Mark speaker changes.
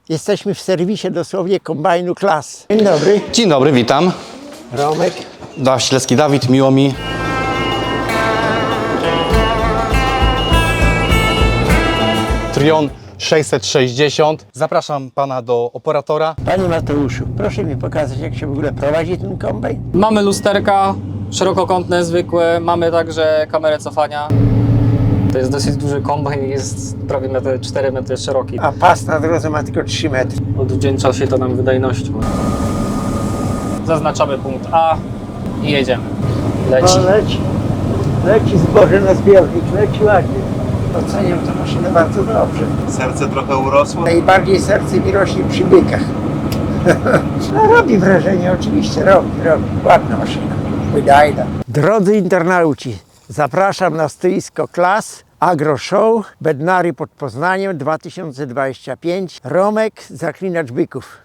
Speaker 1: Jesteśmy w serwisie dosłownie kombajnu Klas. Dzień dobry.
Speaker 2: Dzień dobry, witam.
Speaker 1: Romek.
Speaker 2: Ślecki Dawid, miło mi. Trion 660. Zapraszam pana do operatora.
Speaker 1: Panie Mateuszu, proszę mi pokazać, jak się w ogóle prowadzi ten kombajn.
Speaker 3: Mamy lusterka szerokokątne, zwykłe, mamy także kamerę cofania. To jest dosyć duży kombajn, jest prawie 4 metry szeroki.
Speaker 1: A pas na drodze ma tylko 3 metry.
Speaker 3: Odwdzięcza się to nam wydajnością. Zaznaczamy punkt A i jedziemy. Leci.
Speaker 1: Leci zboże na zbiornik, leci ładnie. Oceniam tę maszynę bardzo dobrze.
Speaker 4: Serce trochę urosło.
Speaker 1: Najbardziej serce mi rośnie przy bykach. No, robi wrażenie, oczywiście robi. Ładna maszyna, wydajna. Drodzy internauci, zapraszam na stoisko Klas Agro Show Bednary pod Poznaniem 2025. Romek, zaklinacz byków.